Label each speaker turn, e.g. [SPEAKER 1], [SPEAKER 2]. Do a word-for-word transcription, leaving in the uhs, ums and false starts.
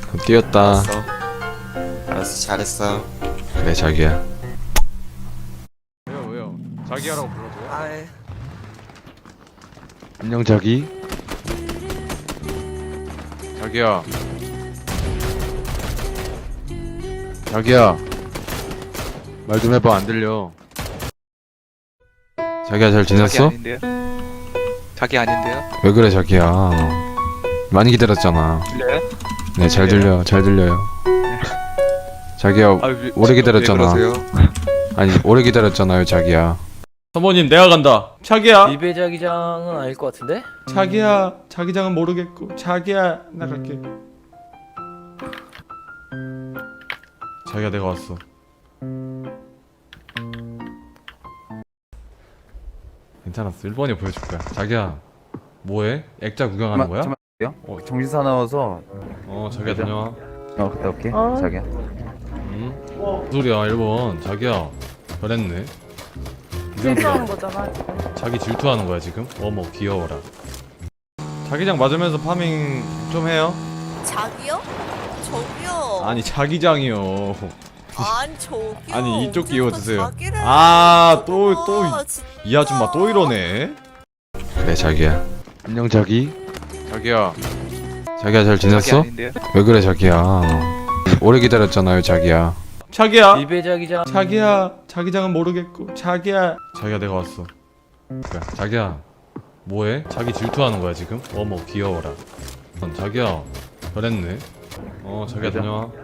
[SPEAKER 1] 뛰었다.
[SPEAKER 2] 알았어. 알았어, 잘했어.
[SPEAKER 1] 그래 자기야.
[SPEAKER 3] 왜요 왜요? 자기야라고 불러줘요?
[SPEAKER 2] 아이.
[SPEAKER 1] 안녕 자기.
[SPEAKER 3] 자기야.
[SPEAKER 1] 자기야. 말 좀 해봐. 안 들려. 자기야 잘
[SPEAKER 2] 자기
[SPEAKER 1] 지냈어?
[SPEAKER 2] 아닌데요? 자기 아닌데요?
[SPEAKER 1] 왜 그래 자기야. 많이 기다렸잖아.
[SPEAKER 2] 들려요?
[SPEAKER 1] 네 잘 들려. 잘 들려요. 자기야
[SPEAKER 2] 아, 왜,
[SPEAKER 1] 오래
[SPEAKER 2] 지금
[SPEAKER 1] 기다렸잖아.
[SPEAKER 2] 왜 그러세요?
[SPEAKER 1] 아니 오래 기다렸잖아요 자기야.
[SPEAKER 3] 사모님 내가 간다. 자기야.
[SPEAKER 4] 리베 자기장은 아닐 것 같은데?
[SPEAKER 3] 자기야. 자기장은 모르겠고. 자기야 나 갈게. 자기야 내가 왔어. 괜찮았어. 일 번이 보여줄 거야. 자기야 뭐해? 액자 구경하는 거야?
[SPEAKER 5] 잠깐만요. 어, 정신 사나워서
[SPEAKER 3] 어 자기야 다녀와.
[SPEAKER 5] 어 갔다 올게.
[SPEAKER 4] 어.
[SPEAKER 5] 자기야.
[SPEAKER 3] 응? 무슨 소리야 일 번. 자기야 잘했네.
[SPEAKER 6] 실수하는 거잖아 지금.
[SPEAKER 3] 자기 질투하는 거야 지금? 어머 귀여워라. 자기장 맞으면서 파밍 좀 해요?
[SPEAKER 7] 자기요? 저기요.
[SPEAKER 3] 아니 자기장이요.
[SPEAKER 7] 아니 저기요.
[SPEAKER 3] 아니, 이쪽
[SPEAKER 7] 언제부터
[SPEAKER 3] 끼워 드세요.
[SPEAKER 7] 자기를
[SPEAKER 3] 아, 또,
[SPEAKER 7] 해요?
[SPEAKER 3] 또,
[SPEAKER 7] 진짜.
[SPEAKER 3] 이 아줌마 또 이러네.
[SPEAKER 1] 그래 자기야. 안녕 자기.
[SPEAKER 3] 자기야.
[SPEAKER 1] 자기야 잘
[SPEAKER 2] 자기
[SPEAKER 1] 지냈어?
[SPEAKER 2] 아닌데요?
[SPEAKER 1] 왜 그래 자기야. 오래 기다렸잖아요 자기야.
[SPEAKER 3] 자기야.
[SPEAKER 4] 리베 자기장
[SPEAKER 3] 자기야. 자기장은 모르겠고. 자기야. 자기야 내가 왔어. 그래. 자기야. 뭐해? 자기 질투하는 거야 지금? 어머 귀여워라. 자기야 잘했네. 어 자기야 다녀와.